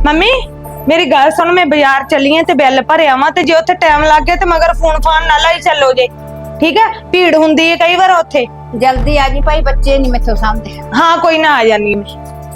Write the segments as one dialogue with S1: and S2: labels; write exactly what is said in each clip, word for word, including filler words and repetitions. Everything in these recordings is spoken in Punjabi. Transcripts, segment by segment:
S1: ਮੰਮੀ ਮੇਰੀ ਗੱਲ ਸੁਣ, ਮੈਂ ਬਾਜ਼ਾਰ ਚੱਲੀ ਆਂ ਤੇ ਬਿੱਲ ਭਰਿਆ ਵਾਂ ਤੇ ਜੇ ਉੱਥੇ ਟਾਈਮ ਲੱਗ ਗਿਆ ਤੇ ਮਗਰ ਫੋਨ ਫਾਨ ਨਾ ਲਾਈ ਚੱਲੋ ਜੇ। ਠੀਕ ਹੈ, ਭੀੜ ਹੁੰਦੀ ਹੈ ਕਈ ਵਾਰ ਉੱਥੇ।
S2: ਜਲਦੀ ਆ ਜੀ ਭਾਈ, ਬੱਚੇ ਨਹੀਂ ਮੈਥੋਂ ਸਾਂਭਦੇ।
S1: ਹਾਂ ਕੋਈ ਨਾ, ਆ ਜਾਨੀ ਮੈਂ।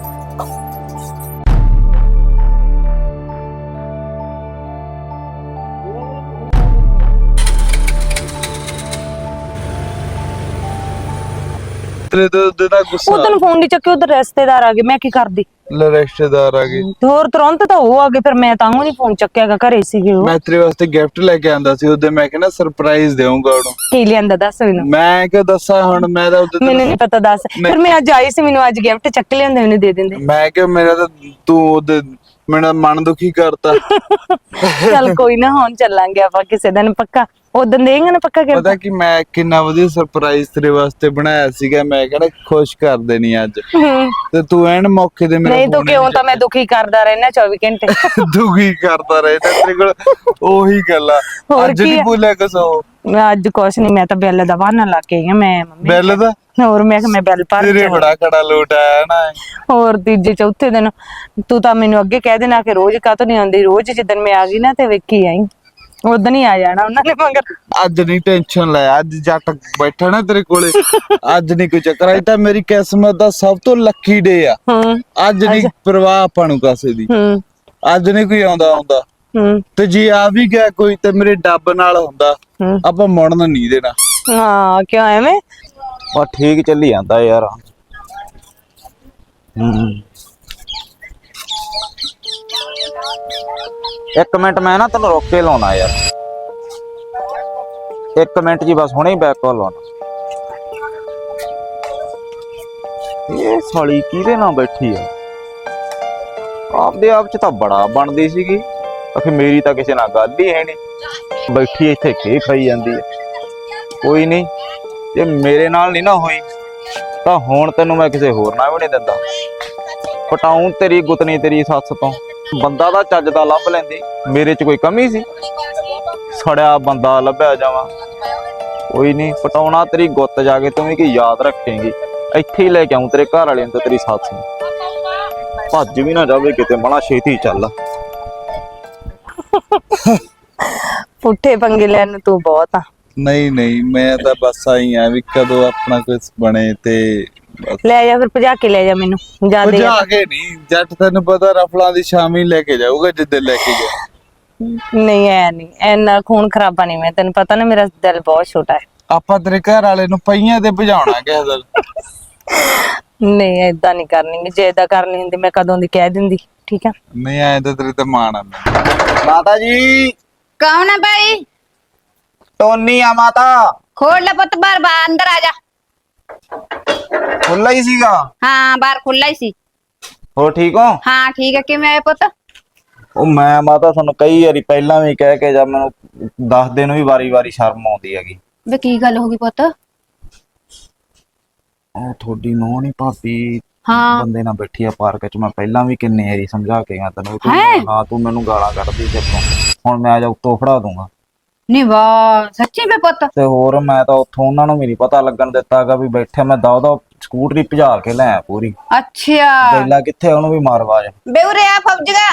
S3: ਤੇਰੇ ਤੋਂ ਉਹਦੇ ਦਾ ਗੁੱਸਾ
S1: ਉਦੋਂ ਫੋਨ ਨਹੀਂ ਚੱਕਿਆ, ਉਧਰ ਰਿਸ਼ਤੇਦਾਰ ਆ ਗਏ, ਮੈਂ ਕੀ ਕਰਦੀ।
S3: ਲੈ ਰਿਸ਼ਤੇਦਾਰ ਆ ਗਏ
S1: ਤੇ ਹੋਰ ਤੁਰੰਤ ਤਾਂ ਉਹ ਆ ਗਏ, ਫਿਰ ਮੈਂ ਤਾਂ ਨਹੀਂ ਫੋਨ ਚੱਕਿਆਗਾ, ਘਰੇ ਸੀਗੇ ਉਹ।
S3: ਮੈਂ ਤੇਰੇ ਵਾਸਤੇ ਗਿਫਟ ਲੈ ਕੇ ਆਂਦਾ ਸੀ ਉਹਦੇ, ਮੈਂ ਕਹਿੰਦਾ ਸਰਪ੍ਰਾਈਜ਼ ਦੇਵਾਂਗਾ ਉਹਨੂੰ।
S1: ਕੀ ਲਿਆਂਦਾ ਦੱਸ ਮੈਨੂੰ।
S3: ਮੈਂ ਕਿਉਂ ਦੱਸਾਂ ਹੁਣ, ਮੈਂ ਤਾਂ ਉਹਦੇ
S1: ਮੈਨੂੰ ਨਹੀਂ ਪਤਾ, ਦੱਸ। ਫਿਰ ਮੈਂ ਅੱਜ ਆਈ ਸੀ, ਮੈਨੂੰ ਅੱਜ ਗਿਫਟ ਚੱਕ ਲਿਆਂਦੇ, ਮੈਨੂੰ ਦੇ ਦਿੰਦੇ।
S3: ਮੈਂ ਕਿਹਾ ਮੇਰਾ ਤਾਂ ਤੂੰ ਉਹਦੇ ਮੇਰਾ ਮਨ ਦੁਖੀ ਕਰਤਾ।
S1: ਚੱਲ ਕੋਈ ਨਾ, ਹੁਣ ਚੱਲਾਂਗੇ ਆਪਾਂ ਕਿਸੇ ਦਿਨ ਪੱਕਾ। ਉਦੋਂ ਦੇਂਗੇ ਨਾ ਪੱਕਾ ਗਿਫਟ।
S3: ਪਤਾ ਕਿ ਮੈਂ ਕਿੰਨਾ ਵਧੀਆ ਸਰਪ੍ਰਾਈਜ਼ ਤੇਰੇ ਵਾਸਤੇ ਬਣਾਇਆ ਸੀਗਾ, ਮੈਂ ਕਹਿੰਦਾ ਖੁਸ਼ ਕਰ ਦੇਣੀ ਅੱਜ। ਤੇ ਤੂੰ ਐਨ ਮੌਕੇ ਤੇ ਮੇਰਾ
S1: ਨਹੀਂ ਤੂੰ ਕਿਉਂ, ਤਾਂ ਮੈਂ ਦੁਖੀ ਕਰਦਾ ਰਹਿਣਾ ਚੌਵੀ ਘੰਟੇ।
S3: ਦੁਖੀ ਕਰਦਾ ਰਹਿਣਾ ਤੇਰੇ ਕੋਲ ਉਹੀ ਗੱਲਾਂ। ਅੱਜ ਨਹੀਂ ਬੋਲਿਆ ਕੁਛ ਉਹ।
S1: ਮੈਂ ਅੱਜ ਕੁਛ ਨਹੀਂ, ਮੈਂ ਤਾਂ ਬਿੱਲ ਦਾ ਬਹਾਨਾ ਲਾ ਕੇ ਆਈ ਆ। ਮੈਂ ਮੰਮੀ
S3: ਬਿੱਲ ਦਾ
S1: ਹੋਰ ਮੈਂ ਕਿ ਮੈਂ ਬਿੱਲ ਭਰ
S3: ਤੇਰੇ ਬੜਾ ਖੜਾ ਲੋਟ ਆਇਆ ਨਾ।
S1: ਹੋਰ ਤੀਜੇ ਚੌਥੇ ਦਿਨ ਤੂੰ ਤਾਂ ਮੈਨੂੰ ਅੱਗੇ ਕਹਿ ਦੇਣਾ ਕਿ ਰੋਜ਼ ਕਾਹਤੋਂ ਨਹੀਂ ਆਉਂਦੀ, ਰੋਜ਼ ਜਿੱਦਣ ਮੈਂ ਆ ਗਈ ਨਾ ਤੇ ਵੇਖੀ ਆਈ, ਉਦੋਂ ਹੀ ਆ ਜਾਣਾ ਉਹਨਾਂ ਨੇ ਮਗਰ।
S3: ਅੱਜ ਨਹੀਂ ਟੈਨਸ਼ਨ ਲੈ, ਅੱਜ ਜੱਟ ਬੈਠਾ ਨਾ ਤੇਰੇ ਕੋਲੇ, ਅੱਜ ਨਹੀਂ ਕੋਈ ਚੱਕਰ। ਅੱਜ ਤਾਂ ਮੇਰੀ ਕਿਸਮਤ ਦਾ ਸਭ ਤੋਂ ਲੱਕੀ ਡੇ ਆ। ਅੱਜ ਨਹੀਂ ਪਰਵਾਹ ਆਪਾਂ ਨੂੰ ਕਾਸੇ ਦੀ, ਅੱਜ ਨਹੀਂ ਕੋਈ ਆਉਂਦਾ ਆਉਂਦਾ। ਤੇ ਜੇ ਆ ਵੀ ਗਿਆ ਕੋਈ ਤੇ ਮੇਰੇ ਡੱਬ ਨਾਲ ਹੁੰਦਾ, ਆਪਾਂ ਮੁੜਨ ਨਹੀਂ ਦੇਣਾ।
S1: ਹਾਂ ਕਿਉਂ ਐਵੇਂ?
S4: ਆ ਠੀਕ ਚੱਲੀ ਜਾਂਦਾ ਯਾਰ। ਹੂੰ ਇੱਕ ਮਿੰਟ ਮੈਂ ਨਾ ਤੈਨੂੰ ਰੋਕ ਕੇ ਲਾਉਣਾ ਯਾਰ, ਇੱਕ ਮਿੰਟ ਜੀ ਬਸ, ਹੁਣੇ ਹੀ ਬੈਕ ਕਾਲ ਲਾਉਣਾ। ਇਹ ਸਾਲੀ ਕਿਹਦੇ ਨਾਲ ਬੈਠੀ ਆ? ਆਪਦੇ ਆਪ ਚ ਤਾਂ ਬੜਾ ਬਣਦੀ ਸੀਗੀ, ਆਖੇ ਮੇਰੀ ਤਾਂ ਕਿਸੇ ਨਾਲ ਗੱਲ ਹੀ ਹੈ ਨਹੀਂ, ਬੈਠੀ ਇੱਥੇ ਖੇ ਖਾਈ ਜਾਂਦੀ ਹੈ। ਕੋਈ ਨਹੀਂ, ਜੇ ਮੇਰੇ ਨਾਲ ਨਹੀਂ ਨਾ ਹੋਈ ਤਾਂ ਹੁਣ ਤੈਨੂੰ ਮੈਂ ਕਿਸੇ ਹੋਰ ਨਾਲ ਵੀ ਨਹੀਂ ਦਿੰਦਾ। ਪਟਾਉਂ ਤੇਰੀ ਗੁੱਤਨੀ ਤੇਰੀ ਸੱਸ ਤੋਂ। ਬੰਦਾ ਦਾ ਚੱਜ ਦਾ ਲੱਭ ਲੈਂਦੀ, ਮੇਰੇ ਚ ਕੋਈ ਕਮੀ ਸੀ? ਸੜਿਆ ਬੰਦਾ ਲੱਭਿਆ ਜਾਵਾਂ। ਕੋਈ ਨਹੀਂ, ਪਟਾਉਣਾ ਤੇਰੀ ਗੁੱਤ ਜਾ ਕੇ, ਤੂੰ ਵੀ ਕੀ ਯਾਦ ਰੱਖੇਂਗੀ। ਇੱਥੇ ਹੀ ਲੈ ਕੇ ਆਉਂ ਤੇਰੇ ਘਰ ਵਾਲੇ ਨੂੰ ਤੇ ਤੇਰੀ ਸੱਸ ਨੂੰ। ਭੱਜ ਵੀ ਨਾ ਜਾਵੇ ਕਿਤੇ, ਬੜਾ ਛੇਤੀ ਚੱਲ।
S1: ਪੁੱਠੇ ਪੰਗੇ ਲੈਣ ਨੂੰ ਤੂੰ ਬਹੁਤ ਆ।
S3: ਨਹੀਂ ਨਹੀਂ, ਮੈਂ ਤਾਂ ਬਸ ਆਈ ਆ ਵੀ ਕਦੋਂ ਆਪਣਾ ਕੁਝ ਬਣੇ ਤੇ
S1: ਲੈ ਜਾ ਫਿਰ, ਭਜਾ ਕੇ ਲੈ ਜਾ ਮੈਨੂੰ। ਜਾ ਦੇ
S3: ਭਜਾ ਕੇ ਨਹੀਂ, ਜੱਟ ਤੈਨੂੰ ਪਤਾ ਰਫਲਾਂ ਦੀ ਸ਼ਾਮੀ ਲੈ ਕੇ ਜਾਊਗਾ ਜਿੱਦੇ ਲੈ ਕੇ ਜਾ।
S1: ਨਹੀਂ ਐ ਨਹੀਂ, ਐਨਾ ਖੂਨ ਖਰਾਬਾ ਨਹੀਂ। ਮੈਂ ਤੈਨੂੰ ਪਤਾ ਨਾ, ਮੇਰਾ ਦਿਲ ਬਹੁਤ ਛੋਟਾ ਹੈ।
S3: ਆਪਾਂ ਤੇਰੇ ਘਰ ਵਾਲੇ ਨੂੰ ਪਈਆਂ ਤੇ ਭਜਾਉਣਾ ਕਿਸੇ ਦਿਨ।
S1: ਨਹੀਂ ਏਦਾਂ ਨਹੀਂ ਕਰਨੀ, ਜੇ ਏਦਾਂ ਕਰਨੀ ਹੁੰਦੀ ਮੈਂ ਕਦੋਂ ਦੀ ਕਹਿ ਦਿੰਦੀ। ਠੀਕ ਆ,
S3: ਨਹੀਂ ਆਏ ਤਾਂ ਤੇਰੇ ਤੇ ਮਾਣ ਆ ਮੈਨੂੰ।
S4: ਮਾਤਾ ਜੀ।
S2: ਕੌਣ ਹੈ ਭਾਈ?
S4: ਟੋਨੀ ਆ ਮਾਤਾ।
S2: ਖੋਲ ਲੈ ਪੁੱਤ, ਬਾਹਰ ਬਾਹਰ ਅੰਦਰ ਆ ਜਾ।
S4: ਖੁੱਲਾ ਹੀ ਸੀਗਾ?
S2: ਹਾਂ ਬਾਹਰ ਖੁੱਲਾ ਹੀ ਸੀ।
S4: ਹੋ ਠੀਕ ਹੋ?
S2: ਹਾਂ ਠੀਕ ਹੈ। ਕਿਵੇਂ ਆਏ ਪੁੱਤ?
S4: ਉਹ ਮੈਂ ਮਾਤਾ ਤੁਹਾਨੂੰ ਕਈ ਵਾਰੀ ਪਹਿਲਾਂ ਵੀ ਕਹਿ ਕੇ ਜਾਂ ਮੈਨੂੰ ਦੱਸਦੇ ਨੂੰ ਵੀ ਵਾਰੀ ਵਾਰੀ ਸ਼ਰਮ ਆਉਂਦੀ ਹੈਗੀ।
S2: ਵੇ ਕੀ ਗੱਲ ਹੋ ਗਈ ਪੁੱਤ?
S4: ਉਹ ਤੁਹਾਡੀ ਨੂੰਹ ਨੀ ਭਾਬੀ
S2: ਹਾਂ
S4: ਬੰਦੇ ਨਾਲ ਬੈਠੀ ਆ ਪਾਰਕ ਚ, ਮੈਂ ਪਹਿਲਾਂ ਵੀ ਕਿੰਨੇ ਵਾਰੀ ਸਮਝਾ ਕੇ ਗਿਆ ਤੈਨੂੰ। ਤੂੰ ਹਾਂ ਤੂੰ ਮੈਨੂੰ ਗਾਲਾਂ ਕੱਢਦੀ ਤੇ ਹੁਣ ਮੈਂ ਜਾ ਉੱਤੋਂ ਫੜਾ ਦੂੰਗਾ।
S2: ਨੀ ਵਾਹ, ਸੱਚੀ ਵੇ ਪੁੱਤ?
S4: ਤੇ ਹੋਰ ਮੈਂ ਤਾਂ ਉੱਥੋਂ ਉਹਨਾਂ ਨੂੰ ਵੀ ਨੀ ਪਤਾ ਲੱਗਣ ਦਿੱਤਾਗਾ ਵੀ ਬੈਠਿਆ। ਮੈਂ ਦਾ ਉਹਦਾ ਸਕੂਟਰੀ ਭਜਾ ਕੇ ਲੈ ਪੂਰੀ।
S2: ਅੱਛਾ
S4: ਬੈਲਾ ਕਿੱਥੇ, ਉਹਨੂੰ ਵੀ ਮਾਰ ਆਵਾਜ਼।
S2: ਬੇਉਰੇ ਆ ਫੌਜਗਾ,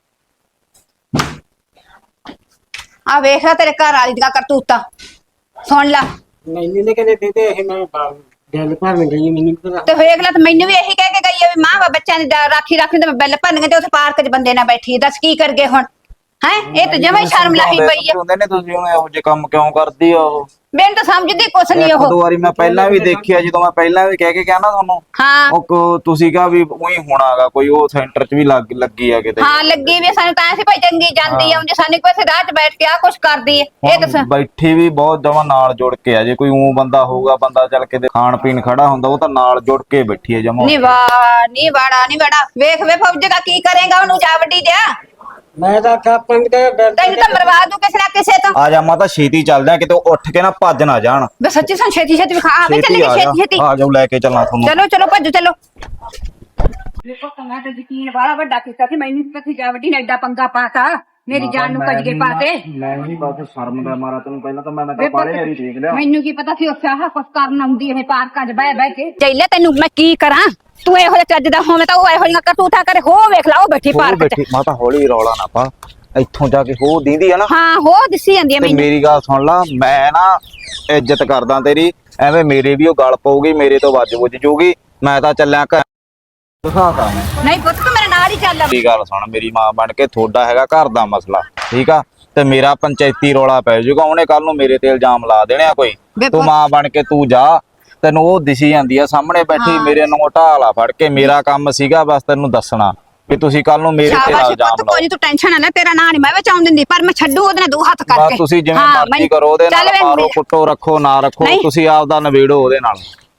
S2: ਆ ਵੇਖ ਲੈ ਤੇਰੇ ਘਰ ਵਾਲੀ ਦੀਆਂ ਕਰਤੂਤਾਂ, ਸੁਣ ਲੈ।
S5: ਮੈਨੂੰ ਨੇ ਕਹਿੰਦੇ ਦੇ ਦੇ, ਇਹ ਮੈਂ ਬਿੱਲ ਭਰਨ ਗਈ, ਮੈਨੂੰ ਪਤਾ।
S2: ਤੇ ਵੇਖ ਲੈ, ਤੇ ਮੈਨੂੰ ਵੀ ਇਹੀ ਕਹਿ ਕੇ ਗਈ ਆ ਵੀ ਮਾਂ ਬੱਚਿਆਂ ਦੀ ਰਾਖੀ ਰੱਖਣੀ ਤੇ ਮੈਂ ਬਿੱਲ ਭਰਨਗੇ, ਤੇ ਉੱਥੇ ਪਾਰਕ 'ਚ ਬੰਦੇ ਨਾਲ ਬੈਠੀ। ਦੱਸ ਕੀ ਕਰਗੇ ਹੁਣ? ਹੈ ਇਹ ਤਾਂ ਜਮਾਂ ਹੀ ਸ਼ਰਮ ਲਾਹੀ ਪਈ ਆ।
S4: ਕਹਿੰਦੇ ਨੇ ਤੁਸੀਂ ਹੁਣ ਇਹੋ ਜਿਹੇ ਕੰਮ ਕਿਉਂ ਕਰਦੀ ਆ? ਉਹ
S2: ਮੈਨੂੰ ਤਾਂ ਸਮਝਦੀ ਕੁਛ ਨਹੀਂ। ਉਹ
S4: ਦੋ ਵਾਰੀ ਮੈਂ ਪਹਿਲਾਂ ਵੀ ਦੇਖਿਆ, ਜਦੋਂ ਮੈਂ ਪਹਿਲਾਂ ਵੀ ਕਹਿ ਕੇ ਗਿਆ ਨਾ ਤੁਹਾਨੂੰ।
S2: ਹਾਂ
S4: ਉਹ ਤੁਸੀਂ ਕਹਾ ਵੀ ਉਹੀ ਹੋਣਾਗਾ ਕੋਈ, ਉਹ ਸੈਂਟਰ 'ਚ ਵੀ ਲੱਗ ਲੱਗੀ ਆ ਕਿਤੇ।
S2: ਹਾਂ ਲੱਗੀ ਵੀ ਸਾਨੂੰ ਤਾਂ ਐਸੀ ਭਾਈ ਚੰਗੀ ਜਾਂਦੀ ਆ, ਜੇ ਸਾਨੂੰ ਕੋਈ ਇੱਥੇ ਰਾਹ 'ਚ ਬੈਠ ਕੇ ਆ ਕੁਛ ਕਰਦੀ ਏ। ਇਹ ਤਾਂ
S4: ਬੈਠੀ ਵੀ ਬਹੁਤ ਜਮਾ ਨਾਲ ਜੁੜ ਕੇ ਆ। ਜੇ ਕੋਈ ਉਹ ਬੰਦਾ ਹੋਊਗਾ, ਬੰਦਾ ਚੱਲ ਕੇ ਖਾਣ ਪੀਣ ਖੜਾ ਹੁੰਦਾ, ਉਹ ਤਾਂ ਨਾਲ ਜੁੜ ਕੇ ਬੈਠੀ ਹੈ ਜਮਾ।
S2: ਨੀ ਵਾਹ ਨੀ ਵਾੜਾ ਨੀ ਵਾੜਾ। ਵੇਖ ਵੇ ਫੌਜਗਾ ਕੀ ਕਰੇਗਾ ਉਹਨੂੰ, ਜਾ ਵੱਡੀ ਦਿਆ।
S5: ਮੈਂ ਤਾਂ ਆਖਿਆ ਪੰਜ ਦੇ ਬਿੱਲ
S2: ਤੈਨੂੰ ਤਾਂ ਮਰਵਾ ਦੂ ਕਿਸੇ ਨਾ ਕਿਸੇ ਤੋਂ।
S4: ਆ ਜਾ ਮਾਤਾ, ਛੇਤੀ ਚੱਲਦੇ ਆ, ਕਿਤੇ ਉੱਠ ਕੇ ਨਾ ਭੱਜ ਨਾ ਜਾਣ।
S2: ਬੇ ਸੱਚੀ ਸਾਨੂੰ ਛੇਤੀ ਛੇਤੀ ਵਿਖਾ ਆ,
S4: ਛੇਤੀ
S2: ਚੱਲੀਏ
S4: ਆ
S2: ਛੇਤੀ ਛੇਤੀ।
S4: ਆ ਜਾਓ, ਲੈ ਕੇ ਚੱਲਾਂ ਤੁਹਾਨੂੰ।
S2: ਚਲੋ ਚਲੋ ਭੱਜੋ ਚਲੋ।
S6: ਦੇਖੋ ਮੈਂ ਤਾਂ ਯਕੀਨ ਵਾਲਾ ਵੱਡਾ ਕੀਤਾ ਸੀ, ਮੈਨੂੰ ਤਾਂ ਜਾ ਵੱਡੀ ਨੇ ਐਡਾ ਪੰਗਾ ਪਾਤਾ।
S2: ਮੇਰੀ ਜਾਨ ਨੂੰ ਕਜਗੇ ਪਾਤੇ
S4: ਮੈਂ ਨਹੀਂ ਬਸ ਸ਼ਰਮ ਦਾ ਮਾਰਾ ਤੈਨੂੰ ਪਹਿਲਾਂ ਤਾਂ ਮੈਂ ਮੈਂ
S2: ਵੇ
S4: ਤਾਂ ਬਾਰੇ
S2: ਪੁੱਤ,
S4: ਵਾਰੀ ਦੇਖ ਲਿਆ।
S2: ਮੈਨੂੰ ਕੀ ਪਤਾ ਸੀ ਉੱਥੇ ਆਹ ਕੁਛ ਕਰਨ ਆਉਂਦੀ ਇਹ ਪਾਰਕਾਂ 'ਚ ਬਹਿ ਬਹਿ ਕੇ ਜੈਲੇ ਤੈਨੂੰ ਮੈਂ ਕੀ ਕਰਾਂ ਤੂੰ ਇਹੋ ਜਿਹਾ ਚੱਜ ਦਾ ਹੋਵੇਂ ਤਾਂ ਉਹ ਇਹੋ ਜਿਹੀਆਂ ਕਰਤੂਤਾਂ ਕਰੇ ਹੋ ਵੇਖ ਲਾ ਉਹ ਬੈਠੀ
S4: ਹੋਰ
S2: ਪਾਰਕ 'ਚ
S4: ਬੈਠੀ ਮਾਤਾ ਹੌਲੀ ਰੌਲਾ ਨਾ ਪਾ ਇੱਥੋਂ ਜਾ ਕੇ ਹੋ ਦੀਂਦੀ ਆ ਨਾ
S2: ਹਾਂ ਹੋ ਦਿਸੀ ਜਾਂਦੀ ਆ
S4: ਤੇ
S2: ਮੈਨੂੰ
S4: ਮੇਰੀ ਗੱਲ ਸੁਣ ਲਾ ਮੈਂ ਨਾ ਇੱਜ਼ਤ ਕਰਦਾ ਤੇਰੀ ਐਵੇਂ ਮੇਰੇ ਵੀ ਉਹ ਗੱਲ ਪਊਗੀ ਮੇਰੇ ਤੋਂ ਵੱਜ ਵੁੱਜ ਜੂਗੀ ਮੈਂ ਤਾਂ ਚੱਲਿਆ ਘਰ ਦਿਖਾਤਾ ਮੈਂ
S2: ਨਹੀਂ ਪੁੱਤ ਤੂੰ ਮੇਰੇ ਨਾਲ ਹੀ ਚੱਲ
S4: ਮੇਰੀ ਗੱਲ ਸੁਣ ਮੇਰੀ ਮਾਂ ਬਣ ਕੇ ਤੁਹਾਡਾ ਹੈਗਾ ਘਰ ਦਾ ਮਸਲਾ ਠੀਕ ਆ ਤੇ ਮੇਰਾ ਪੰਚਾਇਤੀ ਰੌਲਾ ਪੈ ਜਾਊਗਾ ਉਹਨੇ ਕੱਲ ਨੂੰ ਮੇਰੇ ਤੇ ਇਲਜ਼ਾਮ ਲਾ ਦੇਣੇ ਆ ਕੋਈ
S2: ਵੇ
S4: ਤੂੰ
S2: ਪੁੱਤ-
S4: ਮਾਂ ਬਣ ਕੇ ਤੂੰ ਜਾ ਤੈਨੂੰ ਉਹ ਦਿਸੀ ਜਾਂਦੀ ਆ ਸਾਹਮਣੇ ਬੈਠੀ ਮੇਰੇ ਨੂੰ ਢਾਲਾ ਫੜ ਕੇ ਮੇਰਾ ਕੰਮ ਸੀਗਾ ਬਸ ਤੈਨੂੰ ਦੱਸਣਾ ਕਿ ਤੁਸੀਂ ਕੱਲ ਨੂੰ ਮੇਰੇ ਤੇ
S2: ਸ਼ਾਬਾਸ਼
S4: ਇਲਜ਼ਾਮ
S2: ਪੁੱਤ ਕੋਈ
S4: ਲਾਓ
S2: ਨੀ ਤੂੰ ਟੈਨਸ਼ਨ ਨਾ ਲੈ ਤੇਰਾ ਨਾਂ ਨਹੀਂ ਮੈਂ ਵਿੱਚ ਆਉਣ ਦਿੰਦੀ ਪਰ ਮੈਂ ਛੱਡੂ ਉਹਦੇ ਨਾਲ ਦੋ ਹੱਥ
S4: ਬਸ
S2: ਕਰਕੇ
S4: ਤੁਸੀਂ ਜਿਵੇਂ
S2: ਹਾਂ,
S4: ਮਰਜ਼ੀ
S2: ਮੈਨੂੰ-
S4: ਕਰੋ ਉਹਦੇ
S2: ਚੱਲ
S4: ਨਾਲ
S2: ਵੇ
S4: ਮਾਰੋ
S2: ਮੇਰਾ-
S4: ਕੁੱਟੋ ਰੱਖੋ ਨਾ ਰੱਖੋ
S2: ਨਹੀਂ।
S4: ਤੁਸੀਂ ਆਪਦਾ ਨਵੇੜੋ ਉਹਦੇ ਨਾਲ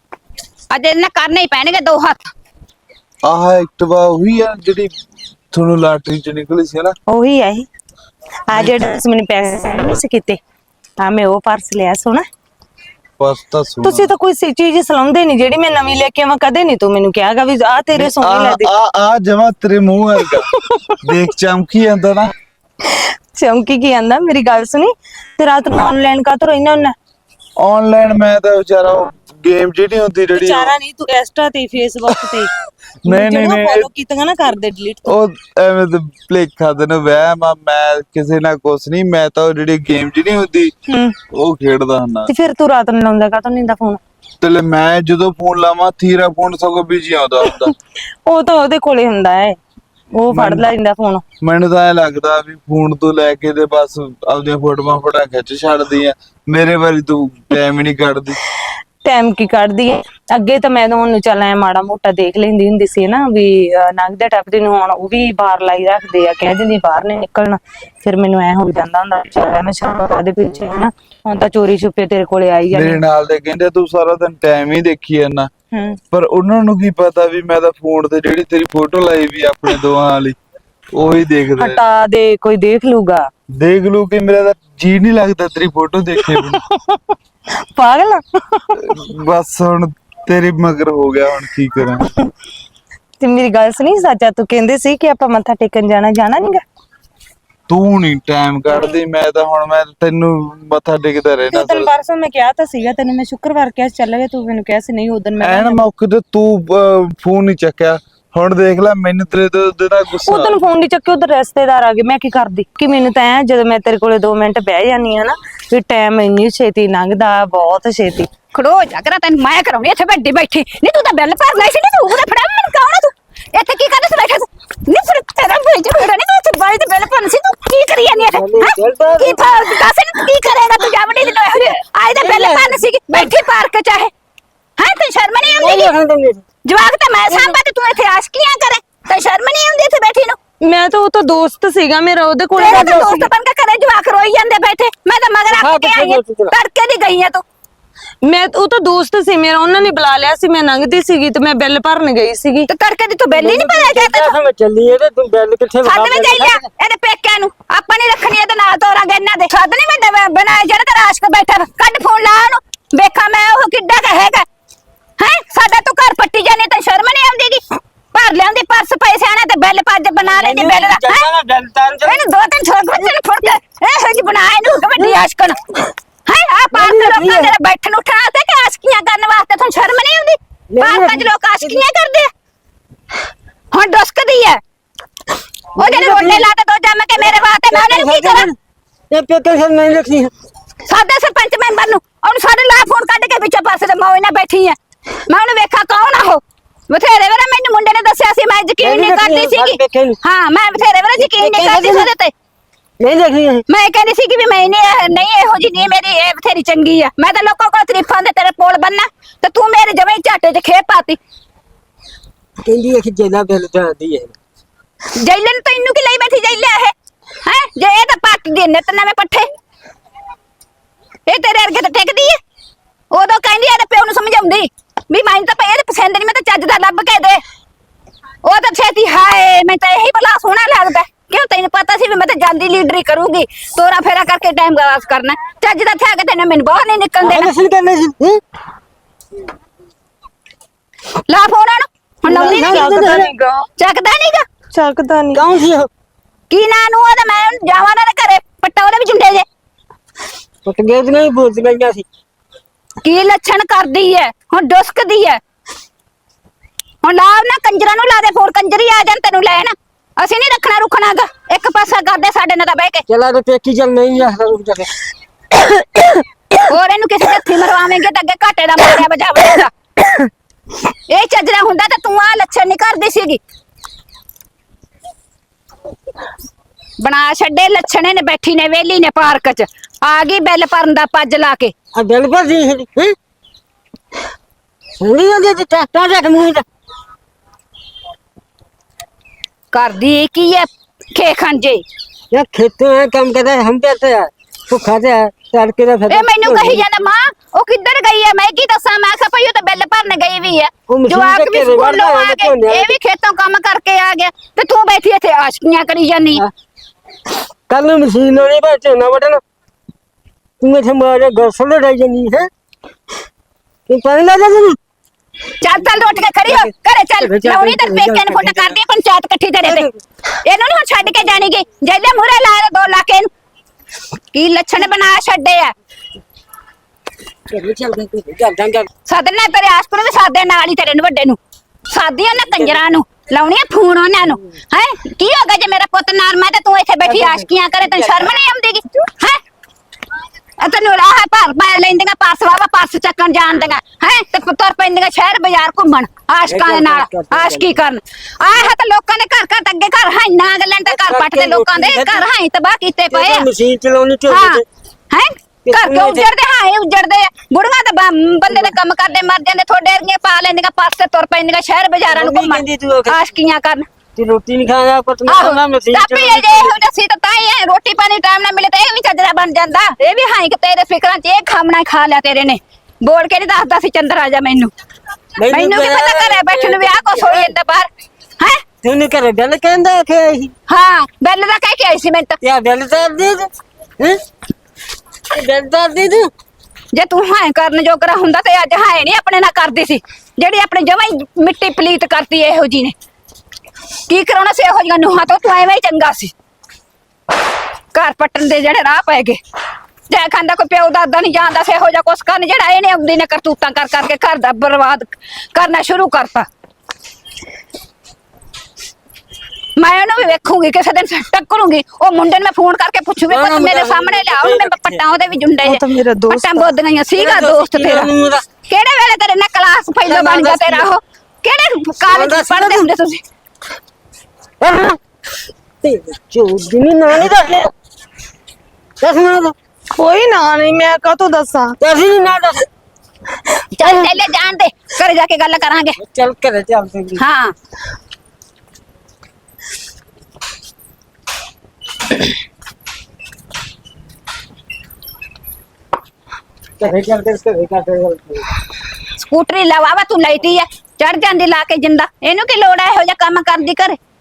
S2: ਅੱਜ ਇਹਨੇ ਕਰਨੇ ਹੀ ਪੈਣਗੇ ਦੋ ਹੱਥ
S3: ਆਹ ਐਕਟਿਵਾ ਉਹੀ ਆ ਜਿਹੜੀ ਤੁਹਾਨੂੰ ਲਾਟਰੀ ਚ ਨਿਕਲੀ ਸੀ ਨਾ।
S1: ਉਹੀ ਹੈ ਆ ਜਿਹੜੇ ਤੁਸੀਂ ਮੈਨੂੰ ਪੈਸੇ ਨਹੀਂ ਸੀ ਕੀਤੇ ਆ ਮੈਂ ਉਹ ਪਰਸ ਲਿਆ ਸੋਨਾ
S3: ਬਸ ਤਾਂ ਸੁਣ
S1: ਤੁਸੀਂ ਤਾਂ ਕੋਈ ਸੀ ਚੀਜ਼ ਸਲਾਉਂਦੇ ਨਹੀਂ ਜਿਹੜੀ ਮੈਂ ਨਵੀਂ ਲੈ ਕੇ ਆਵਾਂ ਕਦੇ ਨਹੀਂ ਤੂੰ ਮੈਨੂੰ ਕਿਹਾਗਾ ਵੀ ਆ ਤੇਰੇ ਸੋਹਣੇ ਲੱਗਦੇ
S3: ਆ ਆ ਜਮਾ ਤੇਰੇ ਮੂੰਹ ਵਰਗਾ ਦੇਖ ਚਮਕੀ ਜਾਂਦਾ ਨਾ।
S1: ਚੌਂਕੀ ਕੀ ਆਂਦਾ ਮੇਰੀ ਗੱਲ ਸੁਣੀ ਤੇ ਰਾਤ ਨੂੰ ਆਨਲਾਈਨ ਕਾ ਤੋ ਰਹਿਣਾ ਹੁੰਦਾ
S3: ਆਨਲਾਈਨ ਮੈਂ ਤਾਂ ਵਿਚਾਰਾ ਗੇਮ ਜਿਹੜੀ ਹੁੰਦੀ ਜਿਹੜੀ
S1: ਵਿਚਾਰਾ ਨਹੀਂ ਤੂੰ ਇੰਸਟਾ ਤੇ ਫੇਸਬੁੱਕ ਤੇ
S3: ਨਹੀਂ ਨਹੀਂ ਨਹੀਂ
S1: ਫੋਲੋ ਕੀਤੀਆਂ ਨਾ ਕਰ ਦੇ ਡਿਲੀਟ
S3: ਉਹ ਐਵੇਂ ਤੇ ਭਲੇਖਾ ਦੇ ਨੂੰ ਵਹਿਮ ਆ ਮੈਂ ਕਿਸੇ ਨਾਲ ਕੁਛ ਨਹੀਂ ਮੈਂ ਤਾਂ ਉਹ ਜਿਹੜੀ ਗੇਮ ਜਿਹੜੀ ਹੁੰਦੀ
S1: ਹੂੰ
S3: ਉਹ ਖੇਡਦਾ ਹੁੰਦਾ
S1: ਤੇ ਫਿਰ ਤੂੰ ਰਾਤ ਨੂੰ ਲਾਉਂਦਾ ਕਾ ਤੋ ਨਹੀਂ ਦਾ ਫੋਨ
S3: ਤੇ ਲੈ ਮੈਂ ਜਦੋਂ ਫੋਨ ਲਾਵਾਂ ਥੀਰਾ ਫੋਨ ਸਗੋਂ ਬਿਜੀ ਆਉਂਦਾ ਹੁੰਦਾ।
S1: ਉਹ ਤਾਂ ਉਹਦੇ ਕੋਲੇ ਹੁੰਦਾ ਹੈ ਉਹ ਫੜ ਲੈਂਦਾ ਫੋਨ
S3: ਮੈਨੂੰ ਤਾਂ ਐ ਲੱਗਦਾ ਵੀ ਫੋਨ ਤੋਂ ਲੈ ਕੇ ਤੇ ਬਸ ਆਪਦੀਆਂ ਫੋਟੋਆਂ ਫੋਟਾ ਖਿੱਚ ਛੱਡਦੀ ਆ ਮੇਰੇ ਵਾਰੀ ਤੂੰ ਟਾਈਮ ਹੀ ਨਹੀਂ ਕੱਢਦੀ।
S1: ਟਾਈਮ ਕੀ ਕੱਢਦੀ ਹੈ ਅੱਗੇ ਤਾਂ ਮੈਂ ਤਾਂ ਉਹਨੂੰ ਚੱਲ ਐ ਮਾੜਾ ਮੋਟਾ ਦੇਖ ਲੈਂਦੀ ਹੁੰਦੀ ਸੀ ਨਾ ਵੀ ਅਹ, ਨੰਗਦੇ ਟੱਪਦੇ ਨੂੰ ਹੁਣ ਉਹ ਵੀ ਬਾਹਰ ਲਾਈ ਰੱਖਦੇ ਆ ਕਹਿ ਦਿੰਦੀ ਬਾਹਰ ਨਹੀਂ ਨਿਕਲਣਾ ਫਿਰ ਮੈਨੂੰ ਐ ਹੋ ਜਾਂਦਾ ਹੁੰਦਾ ਚੱਲ ਮੈਂ ਸ਼ਾਮ ਦੇ ਪਿੱਛੇ ਨਾ ਹੁਣ ਤਾਂ ਚੋਰੀ ਛੁਪੇ ਤੇਰੇ ਕੋਲੇ ਆਈ ਜਾਂਦੀ
S3: ਮੇਰੇ ਨਾਲ ਦੇ ਕਹਿੰਦੇ ਤੂੰ ਸਾਰਾ ਦਿਨ ਟਾਈਮ ਹੀ ਦੇਖੀ ਜਾਂਦਾ
S1: ਹੂੰ
S3: ਪਰ ਉਹਨਾਂ ਨੂੰ ਕੀ ਪਤਾ ਵੀ ਮੈਂ ਤਾਂ ਫੋਨ ਤੇ ਜਿਹੜੀ ਤੇਰੀ ਫੋਟੋ ਲਾਈ ਵੀ ਆਪਣੇ ਦੋਹਾਂ ਵਾਲੀ ਉਹੀ ਦੇਖਦੇ ਆ।
S1: ਹਟਾ ਦੇ ਕੋਈ ਦੇਖ ਲੂਗਾ
S3: ਦੇਖ ਲੂ ਕਿ ਮੇਰਾ ਤਾਂ ਜੀ ਨਹੀਂ ਲੱਗਦਾ ਤੇਰੀ ਫੋਟੋ ਦੇਖੇ ਬਿਨਾਂ।
S1: ਪਾਗਲ ਆ?
S3: ਬਸ ਹੁਣ ਤੇਰੀ ਮਗਰ ਹੋ ਗਿਆ ਹੁਣ ਕੀ ਕਰਾਂ।
S1: ਤੇ ਮੇਰੀ ਗੱਲ ਸੁਣੀ ਸੱਚਾ ਤੂੰ ਕਹਿੰਦੇ ਸੀ ਕਿ ਆਪਾਂ ਮੱਥਾ ਟੇਕਣ ਜਾਣਾ ਜਾਣਾ ਨਹੀਂਗਾ
S3: ਤੂੰ ਨਹੀਂ ਟਾਈਮ ਕੱਢਦੀ ਮੈਂ ਤਾਂ ਹੁਣ ਮੈਂ ਤੈਨੂੰ ਮੱਥਾ ਟੇਕਦਾ ਰਹਿਣਾ
S1: ਤੂੰ ਤੈਨੂੰ ਪਰਸੋਂ ਮੈਂ ਕਿਹਾ ਤਾਂ ਸੀਗਾ ਤੈਨੂੰ ਮੈਂ ਸ਼ੁੱਕਰਵਾਰ ਕਿਹਾ ਸੀ ਚੱਲ ਵੇ ਤੂੰ ਮੈਨੂੰ ਕਿਹਾ ਸੀ ਨਹੀਂ ਉਦੋਂ ਮੈਂ
S3: ਐਨ ਮੌਕੇ ਤੇ ਤੂੰ ਫੋਨ ਨਹੀਂ ਚੱਕਿਆ ਹੁਣ ਦੇਖ ਲੈ ਮੈਨੂੰ ਤੇਰੇ ਤੇ ਉਹਦੇ ਦਾ ਗੁੱਸਾ
S1: ਉਦੋਂ ਫੋਨ ਨਹੀਂ ਚੱਕਿਆ ਉਧਰ ਰਿਸ਼ਤੇਦਾਰ ਆ ਗਏ ਮੈਂ ਕੀ ਕਰਦੀ ਕਿ ਮੈਨੂੰ ਤਾਂ ਐ ਜਦੋਂ ਮੈਂ ਤੇਰੇ ਕੋਲੇ ਦੋ ਮਿੰਟ ਬਹਿ ਜਾਨੀ ਆ ਨਾ ਵੀ ਟਾਈਮ ਇੰਨੀ ਛੇਤੀ ਲੰਘਦਾ ਬਹੁਤ ਛੇਤੀ
S2: ਖੜੋ ਜਾ ਕਰਾ ਤੈਨੂੰ ਮੈਂ ਕਰਾਉਣੀ ਇੱਥੇ ਵੱਡੀ ਬੈਠੀ ਨਹੀਂ ਤੂੰ ਤਾਂ ਬਿੱਲ ਭਰਨਾ ਸੀ ਨਹੀਂ ਤੂੰ ਉਹਦਾ ਫੜਾ ਮੈਨੂੰ ਕੌਣ ਆ ਤੂੰ ਇੱਥੇ ਕੀ ਕਰਦਾ ਸੀ ਬੈਠਾ ਨਹੀਂ ਫਿਰ ਤੇਰਾ ਭੇਜ ਜਿਹੜਾ ਨਹੀਂ ਤੂੰ ਇੱਥੇ ਬਾਈ ਤੇ ਬਿੱਲ ਭਰਨ ਸੀ ਤੂੰ ਕੀ ਕਰੀ ਜਾਂਦੀ ਹੈ ਕੀ ਫਾਲ ਦੱਸ ਨੀ ਕੀ ਕਰੇਗਾ ਤੂੰ ਜਾਵੜੀ ਦੇ ਆਏ ਤਾਂ ਬਿੱਲ ਭਰਨ ਸੀ ਬੈਠੀ ਪਾਰਕ ਚ ਹੈ ਹੈ ਤੈਨੂੰ ਸ਼ਰਮ ਨਹੀਂ ਆਉਂਦੀ ਜਵਾਕ ਤਾਂ ਮੈਂ ਸਾਂਭਾ ਤੇ ਤੂੰ ਇੱਥੇ ਆਸ਼ਕੀਆਂ ਕਰੇ ਤੈਨੂੰ ਸ਼ਰਮ ਨਹੀਂ ਆਉਂਦੀ ਇੱਥੇ ਬੈਠੀ ਨੂੰ
S1: ਮੈਂ ਤਾਂ ਉਹ ਤਾਂ ਦੋਸਤ ਸੀਗਾ ਮੇਰਾ ਉਹਦੇ ਕੋਲੇ
S2: ਤੇਰਾ ਤਾਂ ਦੋਸਤ ਬਣ ਕੇ ਘਰੇ ਜਵਾਕ ਰੋਈ ਜਾਂਦੇ ਬੈਠੇ ਮੈਂ ਤਾਂ ਮਗਰ ਆ ਕੇ ਆਈ ਤੜਕੇ ਦੀ ਗਈ ਆ ਤੂੰ
S1: ਮੈਂ ਉਹ ਤਾਂ ਦੋਸਤ ਸੀ ਮੇਰਾ ਉਹਨਾਂ ਨੇ ਬੁਲਾ ਲਿਆ ਸੀ ਮੈਂ ਲੰਘਦੀ ਸੀਗੀ ਤੇ ਮੈਂ ਬਿੱਲ ਭਰਨ ਗਈ ਸੀਗੀ
S2: ਤੇ ਤੜਕੇ ਦੀ ਤੂੰ ਬਿੱਲ ਹੀ ਨਹੀਂ ਭਰਿਆ ਗਿਆ ਤੈਨੂੰ
S5: ਮੈਂ ਚੱਲੀ ਇਹਦੇ ਤੂੰ ਬਿੱਲ ਕਿੱਥੇ
S2: ਸੱਦ ਵਿੱਚ ਆਈ ਲਿਆ ਇਹਦੇ ਪੇਕਿਆਂ ਨੂੰ ਆਪਾਂ ਨਹੀਂ ਰੱਖਣੀ ਇਹਦੇ ਨਾਲ ਤੋਰਾਂਗੇ ਇਹਨਾਂ ਦੇ ਸੱਦ ਨਹੀਂ ਮੈਂ ਬਣਾਇਆ ਜਿਹੜਾ ਤੇਰਾ ਆਸ਼ਕ ਬੈਠਾ ਕੱਢ ਫੋਨ ਲਾ ਉਹਨੂੰ ਵੇਖਾਂ ਮੈਂ ਉਹ ਕਿੱਡਾ ਕਹੇਗਾ ਹੈ ਸਾਡਾ ਤੂੰ ਘਰ ਪੱਟੀ ਜਾਨੀ ਤੇ ਸ਼ਰਮ ਨਹੀਂ ਆਉਂਦੀਗੀ ਭਰ ਲਿਆਉਂਦੀ ਪਰਸ ਪੈਸੇ ਆਣਾ ਤੇ ਬਿੱਲ ਪੱਜ ਬਣਾ ਲੈਂਦੀ ਬਿੱਲ ਦਾ ਹੈਂ?
S5: ਬਿੱਲ ਤਾਂ
S2: ਇਹਨੂੰ ਦੋ ਤਿੰਨ ਛੋੜ ਬੱਚੇ ਨੇ ਫੜ ਕੇ ਇਹੋ ਜਿਹੀ ਬਣਾ ਇਹਨੂੰ ਵੱਡੀ ਆਸ਼ਕਣ ਹੈ ਆ ਪਾਰਕ ਲੋਕਾਂ ਦੇ ਬੈਠਣ ਉੱਠਣ ਤੇ ਕਿ ਆਸ਼ਕੀਆਂ ਕਰਨ ਵਾਸਤੇ ਤੁਹਾਨੂੰ ਸ਼ਰਮ ਨਹੀਂ ਆਉਂਦੀ ਪਾਰਕਾਂ 'ਚ ਲੋਕ ਆਸ਼ਕੀਆਂ ਕਰਦੇ ਆ ਹੁਣ ਡੁਸਕਦੀ ਹੈ ਉਹ ਜਿਹੜੇ ਰੋਲੇ ਲਾ ਤੇ ਦੋ ਜੰਮ ਕੇ ਮੇਰੇ ਵਾਸਤੇ ਮੈਂ ਉਹਨਾਂ ਨੂੰ ਕੀ ਕਰਾਂ
S5: ਇਹ ਪੇਕੇ ਸਰ ਨਹੀਂ ਰੱਖੀ
S2: ਸਾਡੇ ਸਰਪੰਚ ਮੈਂਬਰ ਨੂੰ ਉਹਨੂੰ ਸਾਡੇ ਲਾ ਫੋਨ ਕੱਢ ਕੇ ਵਿੱਚੋਂ ਪਾਸੇ ਤੇ ਮੌਜ ਨਾਲ ਬੈਠੀ ਆ ਮੈਂ ਉਹਨੂੰ ਵੇਖਾ ਕੌਣ ਆ ਉਹ ਬਥੇਰੇ ਵਾਰ ਮੈਨੂੰ ਮੁੰਡੇ ਨੇ ਦੱਸਿਆ ਸੀ ਮੈਂ ਯਕੀਨ ਨਹੀਂ ਕਰਦੀ ਸੀਗੀ ਹਾਂ ਮੈਂ ਬਥੇਰੇ ਵਾਰ ਯਕੀਨ ਨਹੀਂ ਕਰਦੀ ਸੀ ਉਹਦੇ ਤੇ
S5: ਨਹੀਂ ਦੇਖੀ
S2: ਮੈਂ ਕਹਿੰਦੀ ਸੀ ਕਿ ਵੀ ਮੈਂ ਨਹੀਂ ਨਹੀਂ ਇਹੋ ਜੀ ਨਹੀਂ ਮੇਰੀ ਇਹ ਬਥੇਰੀ ਚੰਗੀ ਆ ਮੈਂ ਤਾਂ ਲੋਕਾਂ ਕੋਲ ਤਾਰੀਫਾਂ ਦੇ ਤੇਰੇ ਕੋਲ ਬੰਨਾ ਤੇ ਤੂੰ ਮੇਰੇ ਜਵੇਂ ਝਾਟੇ 'ਚ ਖੇਪ ਪਾਤੀ
S5: ਕਹਿੰਦੀ ਹੈ ਕਿ ਜੇਲਾ ਬਿੱਲ ਜਾਂਦੀ ਹੈ
S2: ਜੈਲੇ ਨੂੰ ਤੈਨੂੰ ਕੀ ਲਈ ਬੈਠੀ ਜੈਲੇ ਇਹ ਹੈ ਜੇ ਇਹ ਤਾਂ ਪੱਕ ਗਏ ਨਿਤ ਨਵੇਂ ਪੱਠੇ ਇਹ ਤੇਰੇ ਅਰਗੇ ਤਾਂ ਟਿਕਦੀ ਹੈ ਉਦੋਂ ਕਹਿੰਦੀ ਇਹਦੇ ਪਿਓ ਨੂੰ ਸਮਝਾਉਂਦੀ ਵੀ ਮੈਨੂੰ ਤਾਂ ਪਈ ਇਹਦੇ ਪਸੰਦ ਨਹੀਂ ਮੈਂ ਤਾਂ ਚੱਜ ਦਾ ਲੱਭ ਕੇ ਦੇ ਉਹ ਤਾਂ ਛੇਤੀ ਹਾਏ ਮੈਂ ਤਾਂ ਇਹੀ ਬਲਾ ਸੋਹਣਾ ਲੱਗਦਾ ਕਿਉਂ ਤੈਨੂੰ ਪਤਾ ਸੀ ਵੀ ਮੈਂ ਤਾਂ ਜਾਂਦੀ ਲੀਡਰੀ ਕਰੂੰਗੀ ਤੋਰਾ ਫੇਰਾ ਕਰਕੇ ਟਾਈਮ ਗਵਾਸ ਕਰਨਾ ਚੱਜ ਦਾ ਥਿਆ ਕੇ ਤੈਨੂੰ ਮੈਨੂੰ ਬਾਹਰ ਨਹੀਂ ਨਿਕਲਣ ਦੇਣਾ
S5: ਨਸਲ ਕਰਨੇ ਸੀ
S2: ਲਾ ਫੋਨ ਆਣ ਹੁਣ ਨੌਲੀ ਨਹੀਂ
S1: ਚੱਕਦਾ ਨਹੀਂਗਾ
S2: ਚੱਕਦਾ ਨਹੀਂਗਾ
S1: ਚੱਕਦਾ ਨਹੀਂ
S5: ਕੌਣ ਸੀ ਉਹ
S2: ਕੀ ਨਾਂ ਨੂੰ ਉਹਦਾ? ਮੈਂ ਹੁਣ ਜਾਵਾਂ ਨਾ ਉਹਦੇ ਘਰੇ ਪੱਟਾ ਉਹਦੇ ਵੀ ਜੁੰਡੇ ਜੇ।
S5: ਪੁੱਤ ਗਏ ਨਹੀਂ ਬੋਝ ਗਈਆਂ ਸੀ।
S2: ਕੀ ਲੱਛਣ ਕਰਦੀ ਐ ਹੁਣ? ਡੁਸਕਦੀ ਐ ਹੁਣ। ਲਾਭ ਨਾ ਕੰਜਰਾਂ ਨੂੰ ਲਾ ਦੇ ਫੋਨ, ਕੰਜਰੀ ਆ ਜਾਣ ਤੈਨੂੰ ਲੈਣ। ਅਸੀਂ ਨਹੀਂ ਰੱਖਣਾ ਰੁਕਣਾ ਗਾ, ਇੱਕ ਪਾਸਾ ਕਰਦੇ ਸਾਡੇ ਨਾਲ ਤਾਂ ਬਹਿ ਕੇ।
S5: ਚਲਾ ਤੇ ਪੇਕੀ ਚੱਲ ਨਹੀਂ ਆ ਰੁਕ ਜਾ ਕੇ।
S2: ਹੋਰ ਇਹਨੂੰ ਕਿਸੇ ਹੱਥੀ ਮਰਵਾਵੇਂਗੇ ਤਾਂ ਅੱਗੇ ਘਾਟੇ ਦਾ ਮਾਰਿਆ ਬਜਾ ਬਣੇਗਾ। ਇਹ ਚੱਜਰਾ ਹੁੰਦਾ ਤਾਂ ਤੂੰ ਆ ਲੱਛਣ ਨਹੀਂ ਕਰਦੀ ਸੀਗੀ। ਬਣਾ ਛੱਡੇ ਲੱਛਣੇ ਨੇ, ਬੈਠੀ ਨੇ ਵੇਲੀ ਨੇ ਪਾਰਕ ਚ, ਆ ਗਈ ਬਿੱਲ ਭਰਨ ਦਾ ਪੱਜ ਲਾ ਕੇ।
S5: ਆ ਬਿੱਲ ਭਰ ਦੀ ਹੈ ਸੁਣੀ ਉਹਦੇ ਤੇ ਟਾਟਾ ਜੱਟ ਮੂੰਹ ਦਾ
S2: ਕਰਦੀ ਕੀ ਐ ਖੇ ਖੰਜੇ।
S5: ਯਾ ਖੇਤੋਂ ਹੈ ਕੰਮ ਕਰਦਾ ਹਮ ਤੇ ਤੇ ਭੁੱਖਾ ਤੇ ਤੜਕੇ ਦਾ ਫਿਰ
S2: ਇਹ ਮੈਨੂੰ ਕਹੀ ਜਾਂਦਾ ਮਾਂ ਉਹ ਕਿੱਧਰ ਗਈ ਐ? ਮੈਂ ਕੀ ਦੱਸਾਂ? ਮੈਂ ਕਿਹਾ ਭਈ ਉਹ ਤਾਂ ਬਿੱਲ ਭਰਨ ਗਈ ਵੀ ਐ।
S5: ਉਹ ਮਸ਼ੀਨ
S2: ਜਵਾਕ
S5: ਤੇ
S2: ਵੀ
S5: ਘੇਰੇ ਵੜਦਾ
S2: ਸਕੂਲੋਂ ਆ
S5: ਹੋਇਆ
S2: ਗਏ,
S5: ਝੋਨੇ
S2: ਇਹ ਵੀ ਖੇਤੋਂ ਕੰਮ ਕਰਕੇ ਆ ਗਿਆ ਤੇ ਤੂੰ ਬੈਠੀ ਇੱਥੇ ਆਸ਼ਕੀਆਂ ਕਰੀ ਜਾਨੀ।
S5: ਕੱਲ ਨੂੰ ਮਸ਼ੀਨ ਲਾਉਣੀ ਭਾਵੇਂ ਝੋਨਾ ਵੱਢਣਾ, ਤੂੰ ਇੱਥੇ ਮਾਰੇ ਗਸਲ ਲੜਾਈ ਜਾਂਦੀ ਹੈ। ਤੂੰ ਪਾਣੀ ਲਾ ਦੇ ਤੂੰ।
S2: ਚੱਲ ਚੱਲ ਉੱਠ ਕੇ ਖੜੀ ਹੋ, ਘਰੇ ਚੱਲ। ਲਾਉਣੀ ਤਾਂ ਪੇਕੇ ਨੂੰ ਫੋਟੋ ਕਰਦੀ ਆ ਪੰਚਾਇਤ ਇਕੱਠੀ ਤੇਰੇ ਤੇ। ਇਹਨੂੰ ਨੀ ਹੁਣ ਛੱਡ ਕੇ ਜਾਣੀ ਗੀ, ਜੈਲੇ ਮੂਹਰੇ ਲਾ ਦੇ ਦੋ ਲਾ ਕੇ ਇਹਨੂੰ। ਕੀ ਲੱਛਣ ਬਣਾ ਛੱਡੇ ਆ?
S5: ਚੱਲ ਚੱਲ ਚੱਲ ਚੱਲ ਚੱਲ
S2: ਸਦਨਾ ਤੇਰੇ ਆਸਪਰ ਵੀ ਸਾਦੇ ਨਾਲ ਹੀ ਤੇਰੇ ਨੂੰ ਵੱਡੇ ਨੂੰ ਸਾਦੀਆਂ ਨਾ ਕੰਜਰਾਂ ਨੂੰ ਲਾਉਣੀ ਆ ਫੋਨ ਉਹਨਾਂ ਨੂੰ। ਹੈ ਕੀ ਹੋ ਗਿਆ ਜੇ ਮੇਰਾ ਪੁੱਤ ਨਾਲ ਮੈਂ ਤੇ ਤੂੰ ਇੱਥੇ ਬੈਠੀ ਆਸ਼ਕੀਆਂ ਕਰੇ ਤੈਨੂੰ ਸ਼ਰਮ ਨਹੀਂ ਆਉਂਦੀ ਗੀ? ਹੈ ਤੈਨੂੰ ਰਾਹ ਭਾਰ ਪਾ ਲੈਂਦੀਆਂ ਪਰਸ ਵਾਵਾ ਪਰਸ ਚੱਕਣ ਜਾਣਦੀਆਂ ਹੈ ਤੇ ਤੁਰ ਪੈਂਦੀਆਂ ਸ਼ਹਿਰ ਬਾਜ਼ਾਰ ਘੁੰਮਣ ਆਸ਼ਕਾਂ ਦੇ ਨਾਲ ਆਸ਼ਕੀ ਕਰਨ। ਆਹ ਤਾਂ ਲੋਕਾਂ ਦੇ ਘਰ ਘਰ ਤੇ ਅੱਗੇ ਘਰ ਹਾਈ ਨਾ ਗੱਲਾਂ ਤੇ ਘਰ ਪੱਟਦੇ ਲੋਕਾਂ ਦੇ ਘਰ ਹਾਈ ਤਬਾਹ ਕੀਤੇ ਪਏ ਆ।
S5: ਮਸ਼ੀਨ ਚਲਾਉਣੀ ਝੋਨੇ ਤੇ
S2: ਹੈ ਘਰ ਕਿਉਂ ਉਜੜਦੇ? ਹਾਂ ਇਹ ਉਜੜਦੇ ਆ। ਬੁੜੀਆਂ ਤਾਂ ਬੰ- ਬੰਦੇ ਦੇ ਕੰਮ ਕਰਦੇ ਮਰ ਜਾਂਦੇ, ਥੋੜੇ ਵਰਗੀਆਂ ਪਾ ਲੈਂਦੀਆਂ ਪਰਸ ਤੇ ਤੁਰ ਪੈਂਦੀਆਂ ਸ਼ਹਿਰ ਬਾਜ਼ਾਰਾਂ ਨੂੰ ਘੁੰਮਣ ਆਸ਼ਕੀਆਂ ਕਰਨ।
S5: ਤੇ ਰੋਟੀ ਨਹੀਂ ਖਾਣਾ ਪੁੱਤ
S2: ਆਹੋ
S5: ਮੈਂ ਮਸ਼ੀਨ
S2: ਟਾਪੀ ਇਹ ਜੇ ਇਹੋ ਜਿਹਾ ਸੀ ਤਾਂ ਤਾਂ ਹੀ ਇਹ ਰੋਟੀ ਪਾਣੀ ਟਾਈਮ ਨਾਲ ਮਿਲੇ ਤਾਂ ਇਹ ਵੀ ਚੱਜਰਾ ਬਣ ਜਾਂਦਾ। ਇਹ ਵੀ ਹਾਂ ਕਿ ਤੇਰੇ ਫਿਕਰਾਂ 'ਚ ਇਹ ਖਾਮਣਾ ਖਾ ਲਿਆ ਤੇਰੇ ਨੇ। ਬੋਲ ਕੇ ਨਹੀਂ ਦੱਸਦਾ ਸੀ ਚੰਦਰ ਰਾਜਾ ਮੈਨੂੰ। ਮੈਨੂੰ ਕੀ ਪਤਾ ਘਰੇ ਬੈਠਣ ਨੂੰ ਵਿਆਹ ਕੁਛ ਹੋਈ ਜਾਂਦਾ ਬਾਹਰ। ਹੈ
S5: ਤੂੰ ਘਰੇ ਬਿੱਲ ਕਹਿੰਦਾ ਕਿ ਆਈ
S2: ਹਾਂ ਬਿੱਲ ਦਾ ਕਹਿ ਕੇ ਆਈ ਸੀ ਮੈਂ ਤਾਂ।
S5: ਤੇ ਆ ਬਿੱਲ ਤਾਂ ਦੇ ਦੇ ਹੈ ਬਿੱਲ ਤਾਂ ਦੇ ਦੇ।
S2: ਜੇ ਤੂੰ ਹਾਂ ਕਰਨ ਜੋਗਰਾ ਹੁੰਦਾ ਤੇ ਅੱਜ ਹਾਂ ਨਹੀਂ ਆਪਣੇ ਨਾਲ ਕਰਦੀ ਸੀ, ਜਿਹੜੀ ਆਪਣੇ ਜਮਾਂ ਹੀ ਮਿੱਟੀ ਪਲੀਤ ਕਰਤੀ ਇਹੋ ਜੀ ਨੇ। ਕੀ ਕਰਾਉਣਾ ਸੀ ਇਹੋ ਜਿਹੀਆਂ ਨੂੰਹਾਂ ਤੋਂ? ਤੂੰ ਐਵੇਂ ਹੀ ਚੰਗਾ ਸੀ। ਘਰ ਪੱਟਣ ਦੇ ਜਿਹੜੇ ਰਾਹ ਪੈ ਗਏ। ਜੈ ਖਾਂਦਾ ਕੋਈ ਪਿਓ ਦਾਦਾ ਨਹੀਂ ਜਾਣਦਾ ਸੀ ਇਹੋ ਜਿਹਾ ਕੁਛ ਕਰਨ, ਜਿਹੜਾ ਇਹਨੇ ਆਉਂਦੀ ਨੇ ਕਰਤੂਤਾਂ ਕਰ ਕਰਕੇ ਘਰ ਦਾ ਬਰਬਾਦ ਕਰਨਾ ਸ਼ੁਰੂ ਕਰਤਾ। ਮੈਂ ਉਹਨੂੰ ਵੀ ਵੇਖੂੰਗੀ ਕਿਸੇ ਦਿਨ ਟੱਕਰੂੰਗੀ। ਉਹ ਮੁੰਡੇ ਨੂੰ ਮੈਂ ਫੋਨ ਕਰਕੇ ਪੁੱਛੂਗੀ ਪੁੱਤ ਮੇਰੇ ਸਾਹਮਣੇ ਲਿਆਓ ਉਹਨੇ ਪੱਟਾਂ ਉਹਦੇ ਵੀ ਜੁੰਡੇ
S1: ਉਹ ਤਾਂ ਮੇਰਾ ਦੋਸਤ
S2: ਪੱਟਾਂ ਬੋਦੀਆਂ ਸੀਗਾ ਦੋਸਤ ਤੇਰਾ। ਕਿਹੜੇ ਵੇਲੇ ਤੇਰੇ ਨਾਲ ਕਲਾਸ ਪਹਿਲਾਂ ਬਣ ਗਿਆ ਤੇਰਾ? ਉਹ ਕਿਹੜੇ ਕਾਲਜ ਪੜ੍ਹਦੇ ਹੁੰਦੇ ਤੁਸੀਂ?
S5: ਤੇ ਚੋਦੀ ਨਹੀਂ ਨਾ ਨਹੀਂ ਦੱਸ ਦੱਸ ਨਾ
S1: ਕੋਈ ਨਾ ਨਹੀਂ, ਮੈਂ ਕਾਹਤੋਂ ਦੱਸਾਂ?
S5: ਦੱਸੀ ਨਹੀਂ ਨਾ ਦੱਸ।
S2: ਚੱਲ ਚੱਲੇ ਜਾਣ ਦੇ, ਘਰੇ ਜਾ ਕੇ ਗੱਲ ਕਰਾਂਗੇ।
S5: ਚੱਲ ਘਰੇ ਚੱਲ ਤੂੰ।
S2: ਹਾਂ
S5: ਘਰੇ ਚੱਲ ਤੇ ਘਰੇ ਚੱਲ ਤੇ
S2: ਸਕੂਟਰੀ ਲਵਾਵਾ ਤੂੰ ਲੈਤੀ ਐ ਚੜ ਜਾਂਦੀ ਲਾ ਕੇ ਜਿੰਦਾ। ਇਹਨੂੰ ਕੀ ਲੋੜ ਐ ਇਹੋ ਜਿਹਾ ਕੰਮ ਕਰਨ ਦੀ ਘਰੇ?